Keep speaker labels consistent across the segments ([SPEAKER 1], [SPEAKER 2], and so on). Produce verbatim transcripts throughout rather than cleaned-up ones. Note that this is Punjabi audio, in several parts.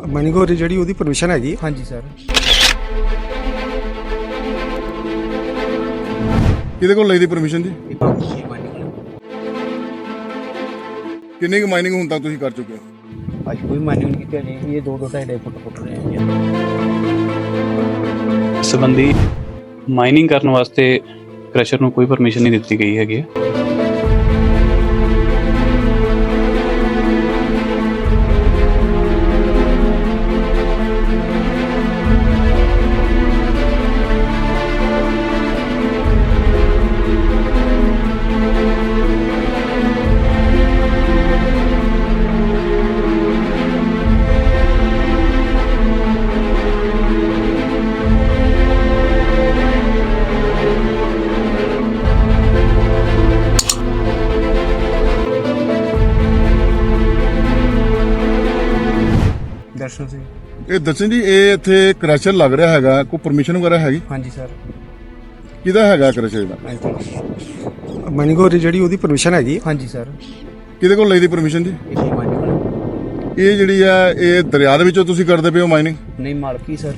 [SPEAKER 1] ਮਾਈਨਿੰਗ ਹੋ ਰਹੀ ਜਿਹੜੀ ਉਹਦੀ ਪਰਮਿਸ਼ਨ ਹੈਗੀ।
[SPEAKER 2] ਹਾਂਜੀ ਸਰ।
[SPEAKER 3] ਕਿਹਦੇ ਕੋਲ ਲਈ ਦੀ ਪਰਮਿਸ਼ਨ ਜੀ? ਕਿੰਨੀ ਕੁ ਮਾਈਨਿੰਗ ਹੁਣ ਤੱਕ ਤੁਸੀਂ ਕਰ ਚੁੱਕੇ ਹੋ?
[SPEAKER 2] ਅੱਜ ਕੋਈ ਮਾਈਨਿੰਗ ਨਹੀਂ ਕੀਤੀ ਜੀ, ਇਹ ਦੋ ਦੋ ਢਾਈ ਢਾਈ ਫੁੱਟ ਫੁੱਟ ਰਹੇ ਆ ਜੀ।
[SPEAKER 4] ਸੰਬੰਧੀ ਮਾਈਨਿੰਗ ਕਰਨ ਵਾਸਤੇ ਕ੍ਰਸ਼ਰ ਨੂੰ ਕੋਈ ਪਰਮਿਸ਼ਨ ਨਹੀਂ ਦਿੱਤੀ ਗਈ ਹੈਗੀ।
[SPEAKER 2] ਦਰਸ਼ਨ ਸਿੰਘ।
[SPEAKER 3] ਇਹ ਦਰਸ਼ਨ ਜੀ, ਇਹ ਇੱਥੇ ਕ੍ਰੈਸ਼ਰ ਲੱਗ ਰਿਹਾ ਹੈਗਾ, ਕੋਈ ਪਰਮਿਸ਼ਨ ਵਗੈਰਾ ਹੈਗੀ?
[SPEAKER 2] ਹਾਂਜੀ ਸਰ।
[SPEAKER 3] ਕਿਹਦਾ ਹੈਗਾ ਕ੍ਰੈਸ਼ਰ ਦਾ?
[SPEAKER 1] ਮਾਈਨਿੰਗ ਹੋ ਰਹੀ ਜਿਹੜੀ ਉਹਦੀ ਪਰਮਿਸ਼ਨ ਹੈਗੀ।
[SPEAKER 2] ਹਾਂਜੀ ਸਰ।
[SPEAKER 3] ਕਿਹਦੇ ਕੋਲ ਲਈ ਦੀ ਪਰਮਿਸ਼ਨ ਜੀ? ਇਹ ਜਿਹੜੀ ਆ ਇਹ ਦਰਿਆ ਦੇ ਵਿੱਚੋਂ ਤੁਸੀਂ ਕਰਦੇ ਪਏ ਹੋ ਮਾਈਨਿੰਗ?
[SPEAKER 2] ਨਹੀਂ, ਮਾਲਕੀ ਸਰ।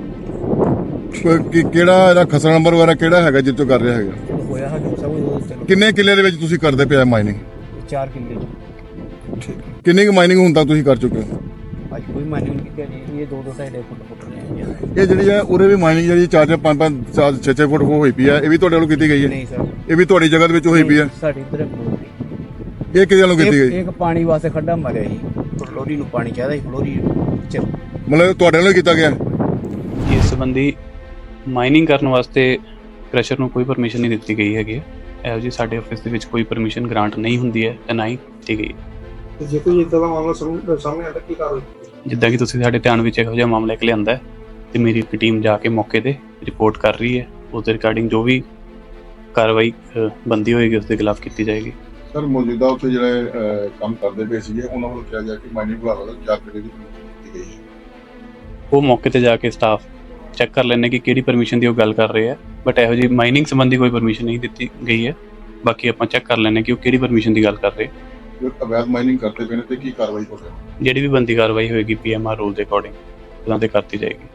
[SPEAKER 3] ਕਿਹੜਾ ਇਹਦਾ ਖਸਰਾ ਨੰਬਰ ਵਗੈਰਾ ਕਿਹੜਾ ਹੈਗਾ ਜਿੱਥੋਂ ਕਰ ਰਿਹਾ ਹੈਗਾ?
[SPEAKER 2] ਹੋਇਆ ਹੈ ਸਭ।
[SPEAKER 3] ਕਿੰਨੇ ਕਿੱਲੇ ਦੇ ਵਿੱਚ ਤੁਸੀਂ ਕਰਦੇ ਪਏ ਮਾਈਨਿੰਗ?
[SPEAKER 2] ਚਾਰ ਕਿੱਲੇ।
[SPEAKER 3] ਕਿੰਨੀ ਕੁ ਮਾਈਨਿੰਗ ਹੁਣ ਤੱਕ ਤੁਸੀਂ ਕਰ ਚੁੱਕੇ ਹੋ?
[SPEAKER 2] ਅੱਜ ਕੋਈ ਮਾਈਨਿੰਗ ਨਹੀਂ ਕੀਤੀ ਜੀ, ਇਹ ਦੋ ਦੋ ਢਾਈ ਢਾਈ ਫੁੱਟ ਫੁੱਟ ਰਹੇ ਆ ਜੀ।
[SPEAKER 3] ਇਹ ਜਿਹੜੀ ਆ ਉਰੇ ਵੀ ਮਾਈਨਿੰਗ ਜਿਹੜੀ ਚਾਰ ਚਾਰ ਪੰਜ ਪੰਜ ਚਾਰ ਛੇ ਛੇ ਫੁੱਟ ਹੋਈ ਪਈ ਆ, ਇਹ ਵੀ ਤੁਹਾਡੇ ਵੱਲੋਂ ਕੀਤੀ ਗਈ ਹੈ?
[SPEAKER 2] ਨਹੀਂ ਸਰ,
[SPEAKER 3] ਇਹ ਵੀ ਤੁਹਾਡੀ ਜਗ੍ਹਾ ਦੇ ਵਿੱਚ ਹੋਈ ਪਈ ਆ?
[SPEAKER 2] ਸਾਡੀ ਇੱਧਰ
[SPEAKER 3] ਇਹ ਕਿਹਦੇ ਵੱਲੋਂ ਕੀਤੀ ਗਈ?
[SPEAKER 2] ਇੱਕ ਪਾਣੀ ਵਾਸਤੇ ਖੱਡਾ ਮਾਰਿਆ ਜੀ, ਫਲੋਰੀ ਨੂੰ ਪਾਣੀ ਚਾਹੀਦਾ ਸੀ, ਫਲੋਰੀ ਚ
[SPEAKER 3] ਮਤਲਬ ਤੁਹਾਡੇ ਵੱਲੋਂ ਕੀਤਾ ਗਿਆ?
[SPEAKER 4] ਇਸ ਸੰਬੰਧੀ ਮਾਈਨਿੰਗ ਕਰਨ ਵਾਸਤੇ ਕ੍ਰਸ਼ਰ ਨੂੰ ਕੋਈ ਪਰਮਿਸ਼ਨ ਨਹੀਂ ਦਿੱਤੀ ਗਈ ਹੈਗੀ। ਇਹੋ ਜੀ ਸਾਡੇ ਆਫਿਸ ਦੇ ਵਿੱਚ ਕੋਈ ਪਰਮਿਸ਼ਨ ਗ੍ਰਾਂਟ ਨਹੀਂ ਹੁੰਦੀ ਹੈ ਤੇ ਨਾ ਹੀ ਦਿੱਤੀ ਗਈ।
[SPEAKER 1] ਜੇ ਕੋਈ ਇਦਾਂ ਦਾ ਮਾਮਲਾ ਸਾਹਮਣੇ ਆਉਂਦਾ ਕੀ ਕਾਰਵਾਈ?
[SPEAKER 4] ਜਿੱਦਾਂ ਕਿ ਤੁਸੀਂ ਸਾਡੇ ਧਿਆਨ ਵਿੱਚ ਇਹੋ ਜਿਹਾ ਮਾਮਲਾ ਇੱਕ ਲਿਆਂਦਾ ਹੈ ਤੇ ਮੇਰੀ ਇੱਕ ਟੀਮ ਜਾ ਕੇ ਮੌਕੇ ਤੇ ਰਿਪੋਰਟ ਕਰ ਰਹੀ ਹੈ। ਉਸ ਦੇ ਰਿਗਾਰਡਿੰਗ ਜੋ ਵੀ ਕਾਰਵਾਈ ਬੰਦੀ ਹੋਏਗੀ ਉਸ ਦੇ ਖਿਲਾਫ ਕੀਤੀ ਜਾਏਗੀ।
[SPEAKER 3] ਸਰ, ਮੌਜੂਦਾ ਉੱਥੇ ਜਿਹੜੇ ਕੰਮ ਕਰਦੇ ਪਏ ਸੀਗੇ ਉਹਨਾਂ ਵੱਲੋਂ ਕਿਹਾ ਗਿਆ ਕਿ ਮਾਈਨਿੰਗ ਵਿਭਾਗ ਵੱਲੋਂ ਚਾਰ ਕਿੱਲੇ ਦੀ ਦਿੱਤੀ ਗਈ ਹੈ।
[SPEAKER 4] ਉਹ ਮੌਕੇ ਤੇ ਜਾ ਕੇ ਸਟਾਫ ਚੈੱਕ ਕਰ ਲੈਣੇ ਕਿ ਕਿਹੜੀ ਪਰਮਿਸ਼ਨ ਦੀ ਉਹ ਗੱਲ ਕਰ ਰਹੇ ਆ, ਬਟ ਇਹੋ ਜਿਹੀ ਮਾਈਨਿੰਗ ਸੰਬੰਧੀ ਕੋਈ ਪਰਮਿਸ਼ਨ ਨਹੀਂ ਦਿੱਤੀ ਗਈ ਹੈ। ਬਾਕੀ ਆਪਾਂ ਚੈੱਕ ਕਰ ਲੈਣੇ ਕਿ ਉਹ ਕਿਹੜੀ ਪਰਮਿਸ਼ਨ ਦੀ ਗੱਲ ਕਰ ਰਹੇ।
[SPEAKER 3] ਜੋ ਅਵੈਧ ਮਾਈਨਿੰਗ ਕਰਦੇ ਪਏ ਨੇ ਤੇ ਕੀ ਕਾਰਵਾਈ ਹੋ ਸਕਦੀ ਹੈ?
[SPEAKER 4] ਜਿਹੜੀ ਵੀ ਬੰਦੀ ਕਾਰਵਾਈ ਹੋਏਗੀ ਪੀ ਐਮ ਆਰ ਰੂਲ ਦੇ ਅਕੋਰਡਿੰਗ ਉਹਨਾਂ ਤੇ ਕਰਤੀ ਜਾਏਗੀ।